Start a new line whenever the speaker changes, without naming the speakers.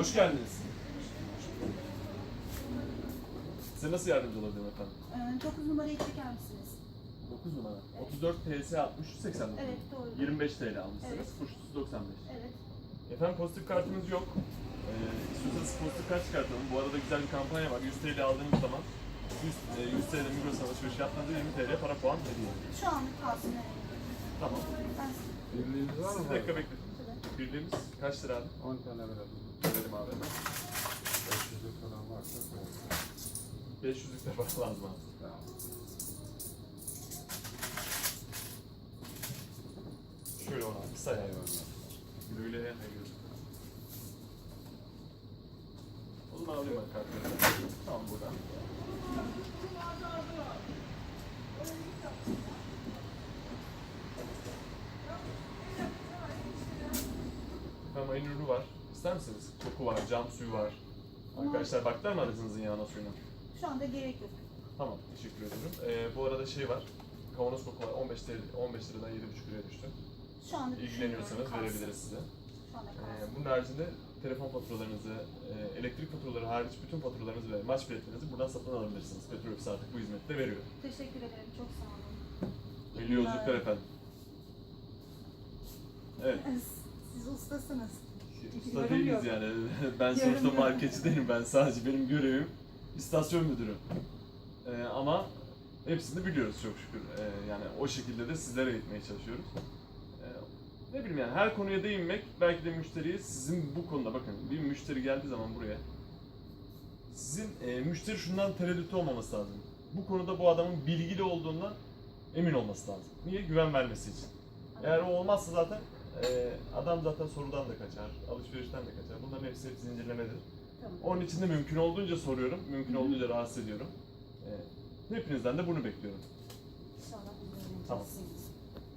Hoş geldiniz. Size nasıl yardımcı olabilirim efendim?
9 numarayı çeker misiniz?
9 numara.
Evet.
34 PS 60 189.
Evet, doğru.
25 TL almışsınız.
Evet.
Kuşsuz 95.
Evet.
Efendim pozitif kartımız yok. İstiyorsanız pozitif kart çıkartalım. Bu arada güzel bir kampanya var. 100 TL aldığınız zaman 100 TL Migros alışveriş yaptığınızda 20 TL para puan hediye.
Şu anlık kalsın.
Tamam.
Ben
Birliğiniz var mı?
Bir dakika bekletin. Birliğimiz kaç lira abi?
10 tane verelim.
Verelim abi.
500'lük falan varsa koyalım.
500'lük de para lazım abi.
Tamam.
Şöyle ona bir say abi.
Eyvallah.
Güle güle hayırlı. O zaman alayım ben kartları. Tamam buradan. Efendim ayın ürünü var. İster misiniz? Koku var, cam suyu var. Arkadaşlar baktılar mı aracınızın yağına suyuna?
şu anda gerek yok.
Tamam, teşekkür ederim. Bu arada şey var. Kavanoz koku var. 15 liradan 7,5 liraya düştü.
Şu anda
İlgileniyorsanız
düşünmüyorum,
verebiliriz size.
Şu anda kalsın.
Bunun haricinde telefon faturalarınızı, elektrik faturaları hariç bütün faturalarınızı ve maç biletlerinizi buradan satın alabilirsiniz. Petrobras artık bu hizmeti de veriyor.
Teşekkür ederim. Çok sağ olun.
Hayırlı yolculuklar efendim. Evet.
Siz ustasınız.
Usta değiliz yani. Ben sonuçta marketçi değilim. Ben sadece benim görevim istasyon müdürü. Ama hepsini biliyoruz çok şükür. Yani o şekilde de sizlere eğitmeye çalışıyoruz. Ne bileyim yani her konuya değinmek belki de müşteriyi sizin bu konuda bakın bir müşteri geldiği zaman buraya sizin müşteri şundan tereddütü olmaması lazım. Bu konuda bu adamın bilgili olduğundan emin olması lazım. Niye? Güven vermesi için. Eğer o olmazsa zaten adam zaten sorudan da kaçar, alışverişten de kaçar. Bunların hepsi zincirlemedir.
Tamam.
Onun için de mümkün olduğunca soruyorum, mümkün olduğunca rahatsız ediyorum. Hepinizden de bunu bekliyorum.
İnşallah biz de
Tamam.
öğreneceğiz.